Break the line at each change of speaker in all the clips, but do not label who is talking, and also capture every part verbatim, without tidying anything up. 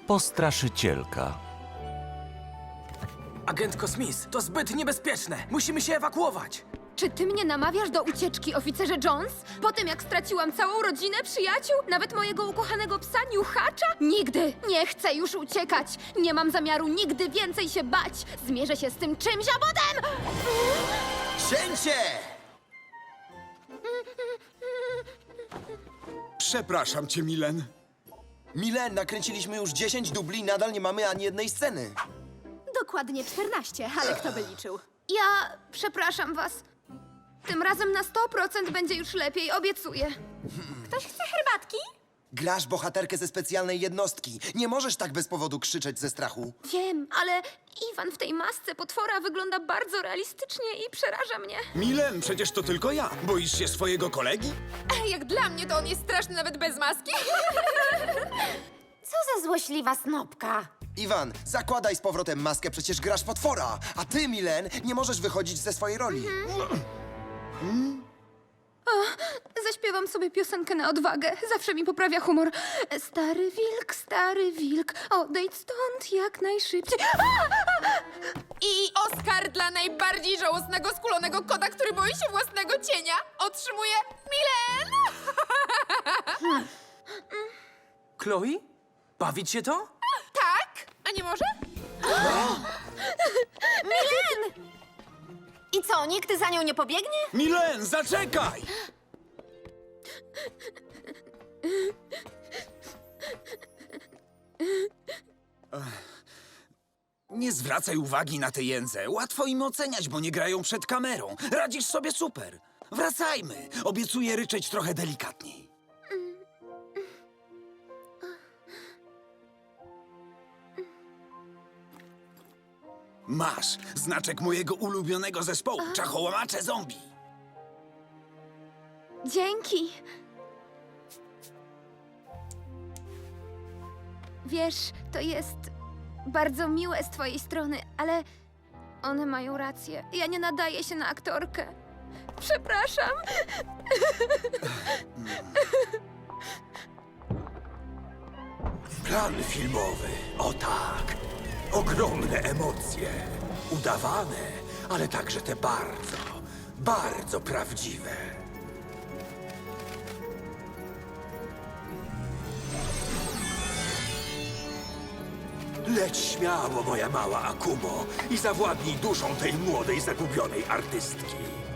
Postraszycielka.
Agentko Smith, to zbyt niebezpieczne. Musimy się ewakuować.
Czy ty mnie namawiasz do ucieczki, oficerze Jones? Po tym, jak straciłam całą rodzinę, przyjaciół, nawet mojego ukochanego psa Niuchacza? Nigdy nie chcę już uciekać. Nie mam zamiaru nigdy więcej się bać. Zmierzę się z tym czymś, a potem...
Cięcie!
Przepraszam cię, Milen.
Milen, nakręciliśmy już dziesięć dubli i nadal nie mamy ani jednej sceny.
Dokładnie czternaście, ale kto by liczył?
Ja przepraszam was. Tym razem na sto procent będzie już lepiej, obiecuję.
Ktoś chce herbatki?
Grasz bohaterkę ze specjalnej jednostki. Nie możesz tak bez powodu krzyczeć ze strachu.
Wiem, ale Iwan w tej masce potwora wygląda bardzo realistycznie i przeraża mnie.
Milen, przecież to tylko ja. Boisz się swojego kolegi?
Jak dla mnie to on jest straszny nawet bez maski.
Co za złośliwa snopka.
Iwan, zakładaj z powrotem maskę, przecież grasz potwora. A ty, Milen, nie możesz wychodzić ze swojej roli.
Zaśpiewam sobie piosenkę na odwagę. Zawsze mi poprawia humor. Stary wilk, stary wilk, odejdź stąd jak najszybciej.
I Oscar dla najbardziej żałosnego, skulonego kota, który boi się własnego cienia, otrzymuje Milen!
Chloe? Bawić się to?
Tak? A nie może?
I co, nikt za nią nie pobiegnie?
Milen, zaczekaj! Ech. Nie zwracaj uwagi na te jędze. Łatwo im oceniać, bo nie grają przed kamerą. Radzisz sobie super. Wracajmy. Obiecuję ryczeć trochę delikatniej. Masz znaczek mojego ulubionego zespołu, Czachołamacze Zombie.
Dzięki. Wiesz, to jest bardzo miłe z twojej strony, ale one mają rację. Ja nie nadaję się na aktorkę. Przepraszam.
Plan filmowy, o tak. Ogromne emocje. Udawane, ale także te bardzo, bardzo prawdziwe. Leć śmiało, moja mała Akumo, i zawładnij duszą tej młodej, zagubionej artystki.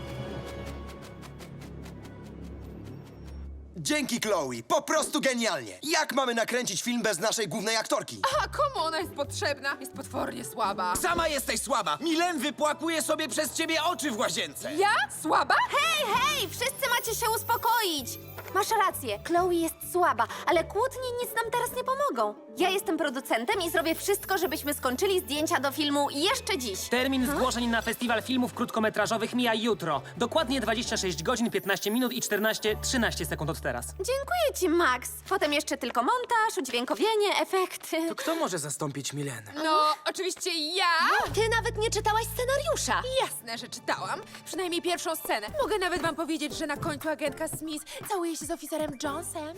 Dzięki, Chloe. Po prostu genialnie. Jak mamy nakręcić film bez naszej głównej aktorki?
A komu ona jest potrzebna? Jest potwornie słaba.
Sama jesteś słaba. Milen wypłakuje sobie przez ciebie oczy w łazience.
Ja? Słaba?
Hej, hej, wszyscy macie się uspokoić. Masz rację, Chloe jest słaba, ale kłótnie nic nam teraz nie pomogą. Ja jestem producentem i zrobię wszystko, żebyśmy skończyli zdjęcia do filmu jeszcze dziś.
Termin zgłoszeń na festiwal filmów krótkometrażowych mija jutro. Dokładnie dwadzieścia sześć godzin, piętnaście minut i czternaście, trzynaście sekund od teraz.
Dziękuję ci, Max. Potem jeszcze tylko montaż, udźwiękowienie, efekty.
To kto może zastąpić Milen?
No, oczywiście ja.
Ty nawet nie czytałaś scenariusza.
Jasne, że czytałam. Przynajmniej pierwszą scenę. Mogę nawet wam powiedzieć, że na końcu agentka Smith całuje się z oficerem Jonesem.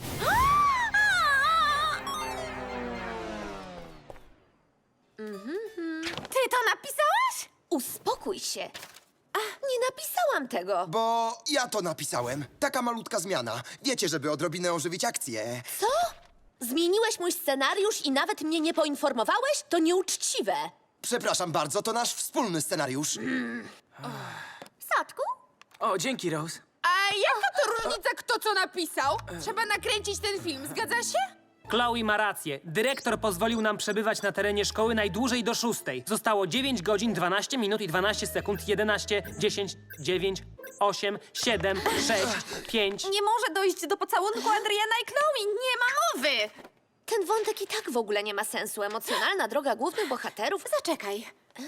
Ty to napisałaś? Uspokój się. A, nie napisałam tego.
Bo ja to napisałem. Taka malutka zmiana. Wiecie, żeby odrobinę ożywić akcję.
Co? Zmieniłeś mój scenariusz i nawet mnie nie poinformowałeś? To nieuczciwe.
Przepraszam bardzo, to nasz wspólny scenariusz.
Sadku?
O, dzięki, Rose.
A jaka to różnica, kto co napisał? Trzeba nakręcić ten film, zgadza się?
Chloe ma rację. Dyrektor pozwolił nam przebywać na terenie szkoły najdłużej do szóstej. Zostało dziewięć godzin, dwanaście minut i dwanaście sekund, jedenaście, dziesięć, dziewięć, osiem, siedem, sześć, pięć...
Nie może dojść do pocałunku Adriana i Chloe. Nie ma mowy. Ten wątek i tak w ogóle nie ma sensu. Emocjonalna droga głównych bohaterów. Zaczekaj.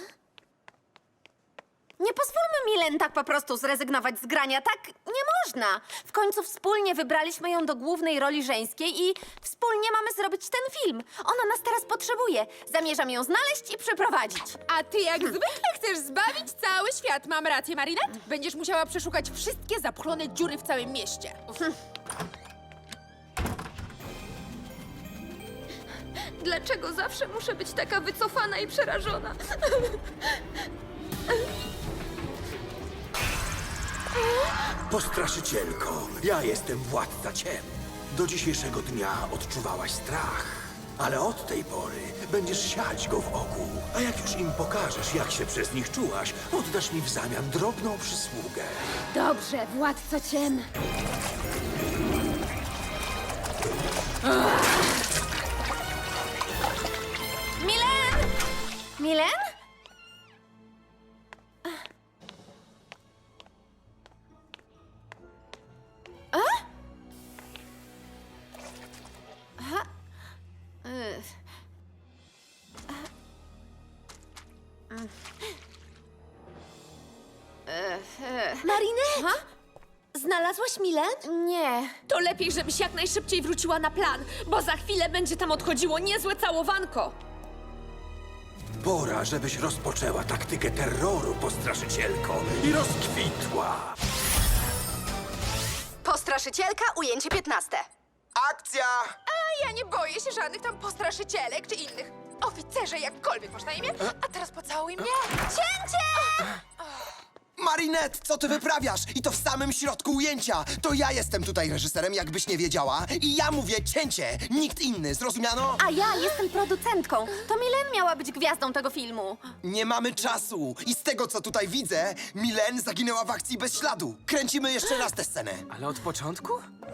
Nie pozwólmy Milen tak po prostu zrezygnować z grania. Tak nie można. W końcu wspólnie wybraliśmy ją do głównej roli żeńskiej i wspólnie mamy zrobić ten film. Ona nas teraz potrzebuje. Zamierzam ją znaleźć i przeprowadzić.
A ty jak zwykle chcesz zbawić cały świat. Mam rację, Marinette? Będziesz musiała przeszukać wszystkie zapchlone dziury w całym mieście.
Dlaczego zawsze muszę być taka wycofana i przerażona?
Postraszycielko, ja jestem władca ciem. Do dzisiejszego dnia odczuwałaś strach. Ale od tej pory będziesz siać go wokół. A jak już im pokażesz, jak się przez nich czułaś, oddasz mi w zamian drobną przysługę.
Dobrze, władco ciem.
Milen! Milen? A? Aha. Ech. Mm. Ech, ech.
Marinette!
Ha?
Znalazłaś Milen?
Nie.
To lepiej, żebyś jak najszybciej wróciła na plan, bo za chwilę będzie tam odchodziło niezłe całowanko.
Pora, żebyś rozpoczęła taktykę terroru, postraszycielko, i rozkwitła.
Postraszycielka, ujęcie piętnaste.
Akcja!
A ja nie boję się żadnych tam postraszycielek czy innych. Oficerze, jakkolwiek masz na imię. A teraz pocałuj mnie. Cięcie!
Marinette, co ty wyprawiasz? I to w samym środku ujęcia! To ja jestem tutaj reżyserem, jakbyś nie wiedziała. I ja mówię cięcie, nikt inny, zrozumiano?
A ja jestem producentką. To Milen miała być gwiazdą tego filmu.
Nie mamy czasu. I z tego, co tutaj widzę, Milen zaginęła w akcji bez śladu. Kręcimy jeszcze raz tę scenę.
Ale od początku?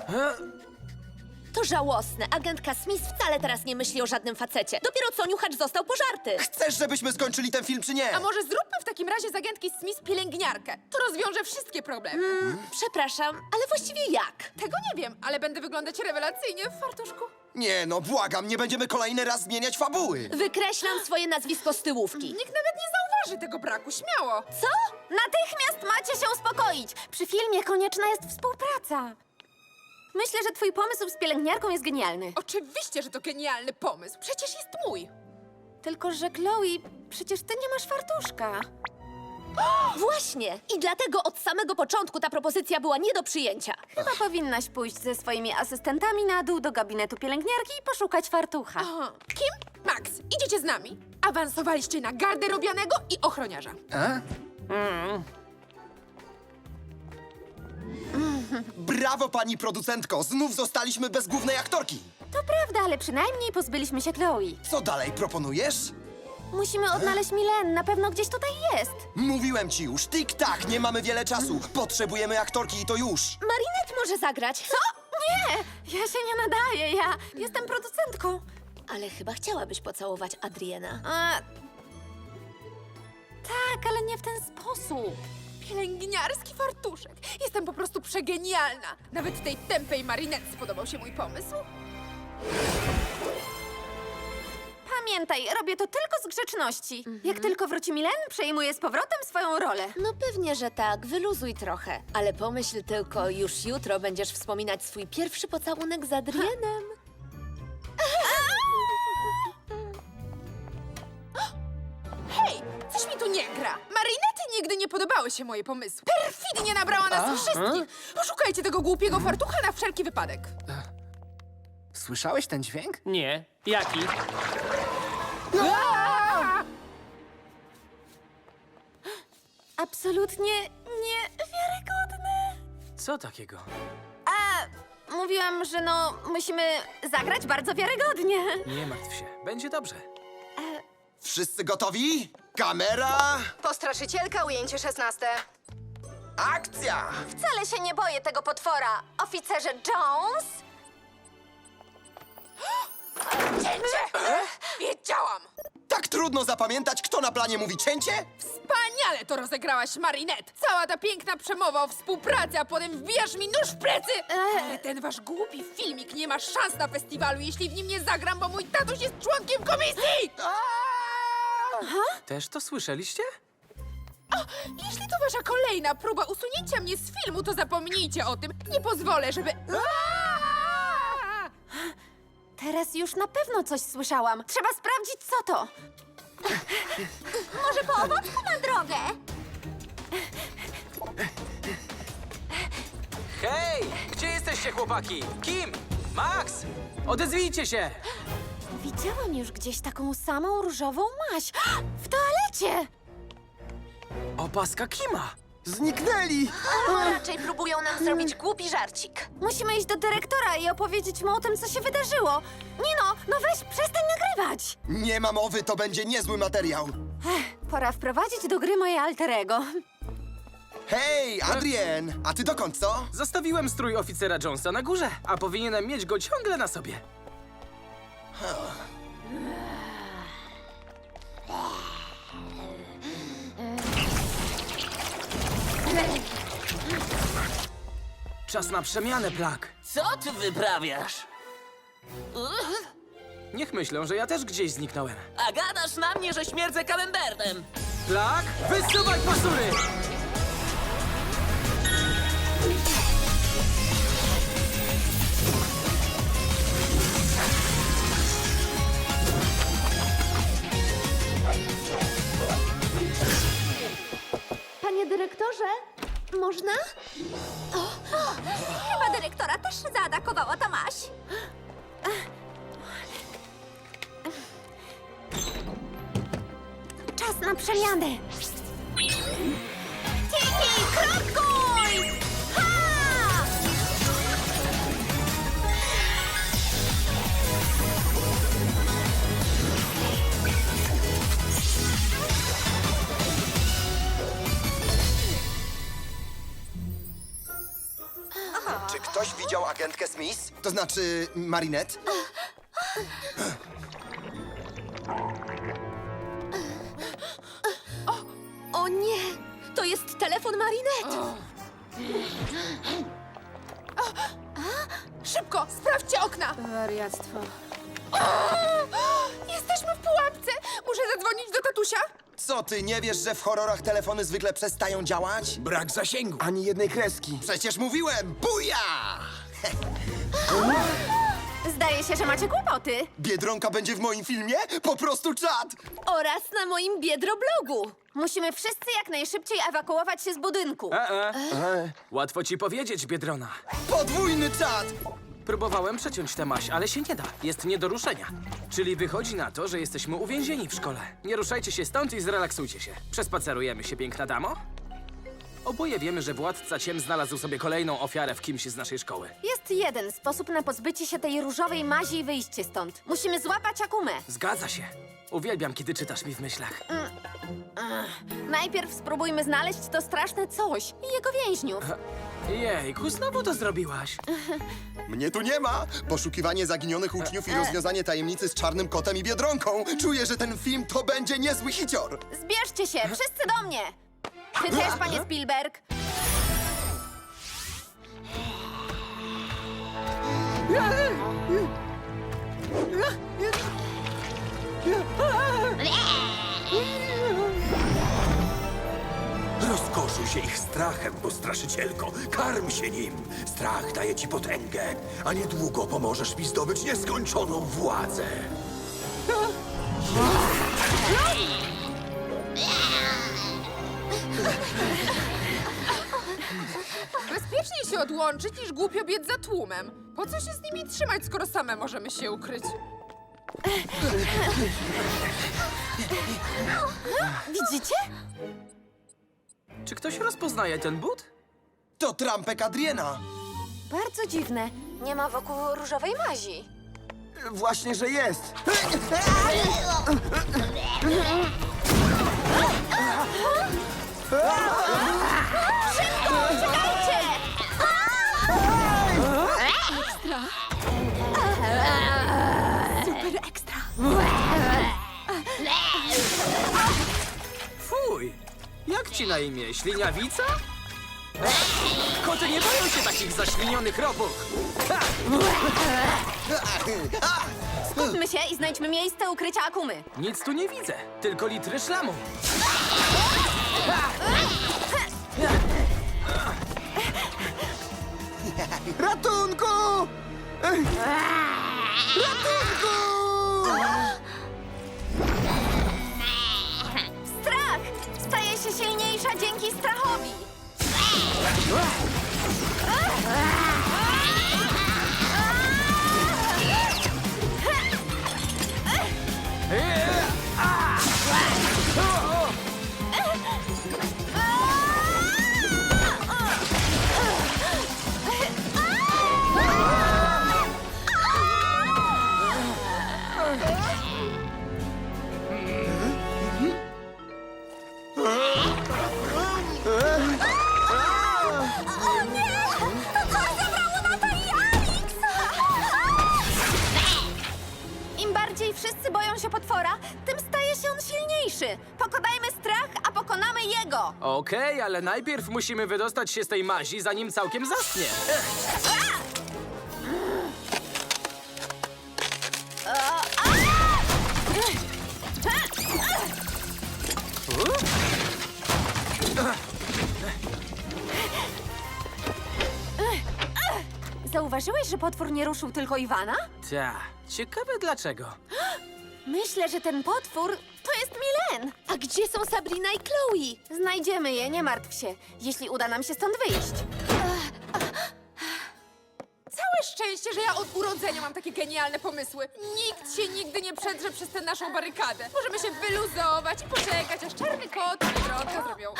To żałosne. Agentka Smith wcale teraz nie myśli o żadnym facecie. Dopiero co niuchacz został pożarty.
Chcesz, żebyśmy skończyli ten film, czy nie?
A może zróbmy w takim razie z agentki Smith pielęgniarkę? To rozwiąże wszystkie problemy.
Przepraszam, ale właściwie jak?
Tego nie wiem, ale będę wyglądać rewelacyjnie w fartuszku.
Nie, no błagam, nie będziemy kolejny raz zmieniać fabuły.
Wykreślam swoje nazwisko z tyłówki.
Nikt nawet nie zauważy tego braku, śmiało.
Co? Natychmiast macie się uspokoić. Przy filmie konieczna jest współpraca. Myślę, że twój pomysł z pielęgniarką jest genialny.
Oczywiście, że to genialny pomysł. Przecież jest mój.
Tylko, że Chloe, przecież ty nie masz fartuszka.
Właśnie. I dlatego od samego początku ta propozycja była nie do przyjęcia.
Chyba powinnaś pójść ze swoimi asystentami na dół do gabinetu pielęgniarki i poszukać fartucha.
Aha. Kim? Max, idziecie z nami. Awansowaliście na garderobianego i ochroniarza.
Brawo, pani producentko, znów zostaliśmy bez głównej aktorki.
To prawda, ale przynajmniej pozbyliśmy się Chloe.
Co dalej proponujesz?
Musimy odnaleźć Milen, na pewno gdzieś tutaj jest.
Mówiłem ci już, tik-tak, nie mamy wiele czasu. Potrzebujemy aktorki i to już.
Marinette może zagrać. Co?
Nie, ja się nie nadaję, ja jestem producentką.
Ale chyba chciałabyś pocałować Adriena.
A... Tak, ale nie w ten sposób.
Pielęgniarski fartuszek. Jestem po prostu przegenialna. Nawet tej tępej Marinette spodobał się mój pomysł.
Pamiętaj, robię to tylko z grzeczności. Jak tylko wróci Milen, przejmuję z powrotem swoją rolę.
No pewnie, że tak. Wyluzuj trochę. Ale pomyśl tylko, już jutro będziesz wspominać swój pierwszy pocałunek z Adrienem.
Hej, coś mi tu nie gra. Marinette nigdy nie podobały się moje pomysły. Perfidnie nabrała nas wszystkich. Poszukajcie tego głupiego fartucha na wszelki wypadek.
Słyszałeś ten dźwięk?
Nie. Jaki?
Absolutnie niewiarygodne.
Co takiego?
A, mówiłam, że no, musimy zagrać bardzo wiarygodnie.
Nie martw się, będzie dobrze.
Wszyscy gotowi? Kamera,
Postraszycielka, ujęcie szesnaste.
akcja!
Wcale się nie boję tego potwora. Oficerze Jones?
Cięcie! Wiedziałam!
Tak trudno zapamiętać, kto na planie mówi cięcie?
Wspaniale to rozegrałaś, Marinette! Cała ta piękna przemowa o współpracy, a potem wbijasz mi nóż w plecy! Ale ten wasz głupi filmik nie ma szans na festiwalu, jeśli w nim nie zagram, bo mój tatuś jest członkiem komisji!
Też to słyszeliście?
Jeśli to wasza kolejna próba usunięcia mnie z filmu, to zapomnijcie o tym. Nie pozwolę, żeby...
Teraz już na pewno coś słyszałam. Trzeba sprawdzić, co to. Może po owocku na drogę?
Hej! Gdzie jesteście, chłopaki? Kim? Max? Odezwijcie się!
Widziałam już gdzieś taką samą różową maź. W toalecie!
Opaska Kima!
Zniknęli!
Raczej próbują nam zrobić głupi żarcik.
Musimy iść do dyrektora i opowiedzieć mu o tym, co się wydarzyło. Nino, no weź, przestań nagrywać!
Nie ma mowy, to będzie niezły materiał.
Pora wprowadzić do gry moje alterego.
Hej, Adrien! A ty dokąd, co?
Zostawiłem strój oficera Jonesa na górze, a powinienem mieć go ciągle na sobie. Czas na przemianę, Plak.
Co ty wyprawiasz?
Niech myślą, że ja też gdzieś zniknąłem.
A gadasz na mnie, że śmierdzę kalenderem.
Plak, wysuwaj pasury!
Panie dyrektorze, można?
Chyba dyrektora też zaatakowała ta maź. Czas na przemianę. Tiki, krokuj! Ha!
Czy ktoś widział agentkę Smith? To znaczy Marinette?
O nie! To jest telefon Marinette!
Szybko, sprawdźcie okna!
Wariactwo.
Jesteśmy w pułapce! Muszę zadzwonić do tatusia?
Co, ty nie wiesz, że w horrorach telefony zwykle przestają działać?
Brak zasięgu.
Ani jednej kreski. Przecież mówiłem! Buja!
Zdaje się, że macie kłopoty.
Biedronka będzie w moim filmie? Po prostu czad!
Oraz na moim biedroblogu!
Musimy wszyscy jak najszybciej ewakuować się z budynku.
E, e. Łatwo ci powiedzieć, Biedrona.
Podwójny czad!
Próbowałem przeciąć tę maś, ale się nie da. Jest nie do ruszenia. Czyli wychodzi na to, że jesteśmy uwięzieni w szkole. Nie ruszajcie się stąd i zrelaksujcie się. Przespacerujemy się, piękna damo? Oboje wiemy, że władca ciem znalazł sobie kolejną ofiarę w kimś z naszej szkoły.
Jest jeden sposób na pozbycie się tej różowej mazi i wyjście stąd. Musimy złapać Akumę.
Zgadza się. Uwielbiam, kiedy czytasz mi w myślach.
Najpierw spróbujmy znaleźć to straszne coś i jego więźniów.
Jejku, znowu to zrobiłaś.
Mnie tu nie ma! Poszukiwanie zaginionych uczniów i rozwiązanie tajemnicy z czarnym kotem i Biedronką. Czuję, że ten film to będzie niezły hicior.
Zbierzcie się, wszyscy do mnie! Ty też, panie Spielberg!
Rozkoszuj się ich strachem, postraszycielko. Karm się nim. Strach daje ci potęgę, a niedługo pomożesz mi zdobyć nieskończoną władzę.
Bezpieczniej się odłączyć niż głupio biec za tłumem. Po co się z nimi trzymać, skoro same możemy się ukryć?
Widzicie?
Czy ktoś rozpoznaje ten but?
To trampek Adriena.
Bardzo dziwne. Nie ma wokół różowej mazi.
Właśnie, że jest.
Czekajcie! Super ekstra!
Fuj! Jak ci na imię? Śliniawica? Koty nie boją się takich zaślinionych robów. Ha!
Skupmy się i znajdźmy miejsce ukrycia Akumy.
Nic tu nie widzę, tylko litry szlamu.
Ratunku! Ratunku!
Strach staje się silniejsza dzięki strachowi. Im bardziej wszyscy boją się potwora, tym staje się on silniejszy. Pokonajmy strach, a pokonamy jego.
Okej, ale najpierw musimy wydostać się z tej mazi, zanim całkiem zaschnie.
Zauważyłeś, że potwór nie ruszył tylko Iwana?
Ta, ciekawe dlaczego.
Myślę, że ten potwór to jest Milen.
A gdzie są Sabrina i Chloe?
Znajdziemy je, nie martw się, jeśli uda nam się stąd wyjść.
Całe szczęście, że ja od urodzenia mam takie genialne pomysły. Nikt się nigdy nie przedrze przez tę naszą barykadę. Możemy się wyluzować i poczekać, aż czarny kot i Biedronka zrobią...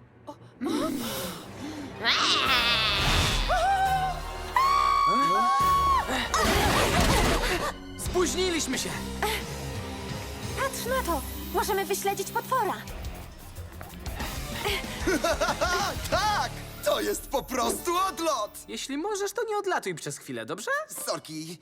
Spóźniliśmy się!
Patrz na to, możemy wyśledzić potwora.
Tak! To jest po prostu odlot!
Jeśli możesz, to nie odlatuj przez chwilę, dobrze?
Sorki.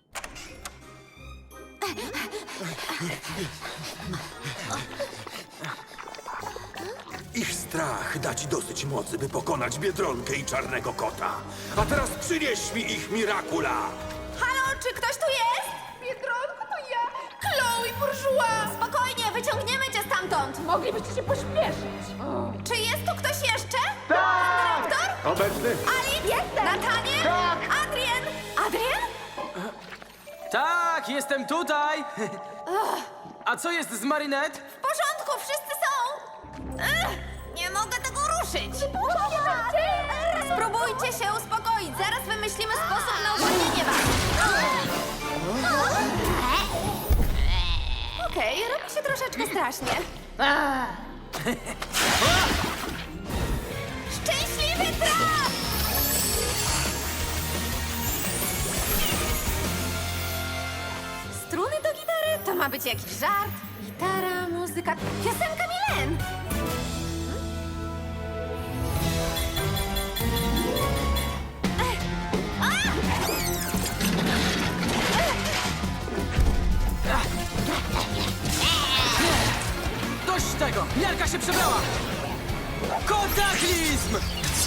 Ich strach da ci dosyć mocy, by pokonać Biedronkę i Czarnego Kota. A teraz przynieś mi ich Mirakula!
Halo, czy ktoś tu jest?
Biedronko, to ja! Chloe Bourgeois!
Spokojnie, wyciągniemy cię stamtąd.
Moglibyście się pośpieszyć.
Czy jest tu ktoś jeszcze? Tak! Dyrektor?
Obecny?
Ali? Jestem! Nataniel? Tak! Adrien? Adrien?
Tak, jestem tutaj! A co jest z Marinette?
W porządku, wszyscy są! Ech, nie mogę tego ruszyć! Spróbujcie się uspokoić, zaraz wymyślimy sposób na uwolnienie was. Okej, robi się troszeczkę strasznie. Szczęśliwy traf! Struny do gitary? To ma być jakiś żart. Gitara, muzyka, piosenka Milen!
Dość tego! Miarka się przebrała! Kotaklizm!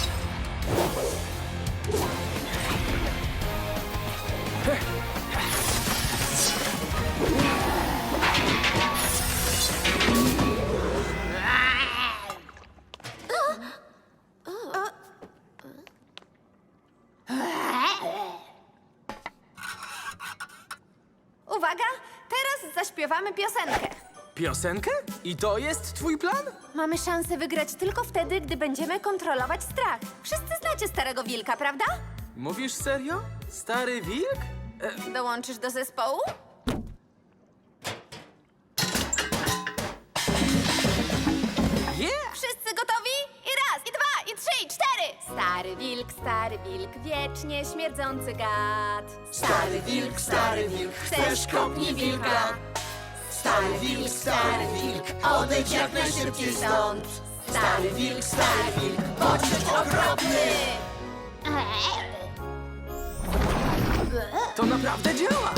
Uwaga, teraz zaśpiewamy piosenkę.
Piosenkę? I to jest twój plan?
Mamy szansę wygrać tylko wtedy, gdy będziemy kontrolować strach. Wszyscy znacie Starego Wilka, prawda?
Mówisz serio? Stary wilk? E,
Dołączysz do zespołu?
yeah!
Wszyscy gotowi? I raz, i dwa, i trzy, i cztery! Stary wilk, stary wilk, wiecznie śmierdzący gad. Stary wilk, stary wilk, chcesz kopnij wilka. Stary wilk, stary wilk, odejdź jak najszybciej stąd. Stary wilk, stary wilk, bądź okropny!
To naprawdę działa!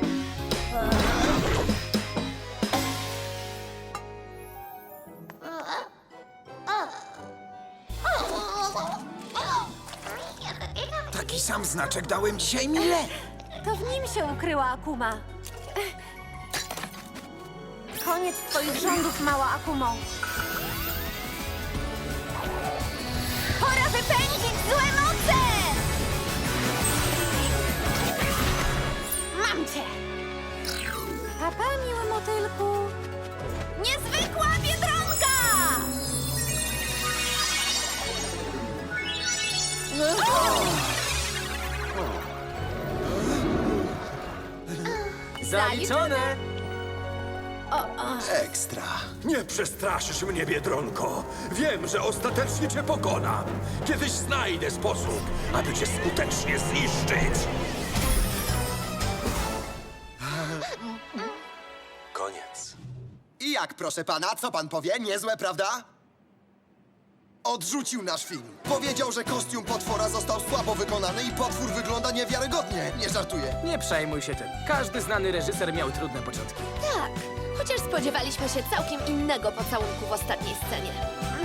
Taki sam znaczek dałem dzisiaj Mile.
To w nim się ukryła Akuma. Koniec twoich rządów, mała Akumo. Pora wypędzić złe moce! Mam cię! Papa, miły motylku. Niezwykła Biedronka!
Zaliczone!
Ekstra.
Nie przestraszysz mnie, Biedronko. Wiem, że ostatecznie cię pokonam. Kiedyś znajdę sposób, aby cię skutecznie zniszczyć. Koniec.
I jak, proszę pana, co pan powie? Niezłe, prawda? Odrzucił nasz film. Powiedział, że kostium potwora został słabo wykonany i potwór wygląda niewiarygodnie. Nie żartuję.
Nie przejmuj się tym. Każdy znany reżyser miał trudne początki.
Tak, chociaż spodziewaliśmy się całkiem innego pocałunku w ostatniej scenie.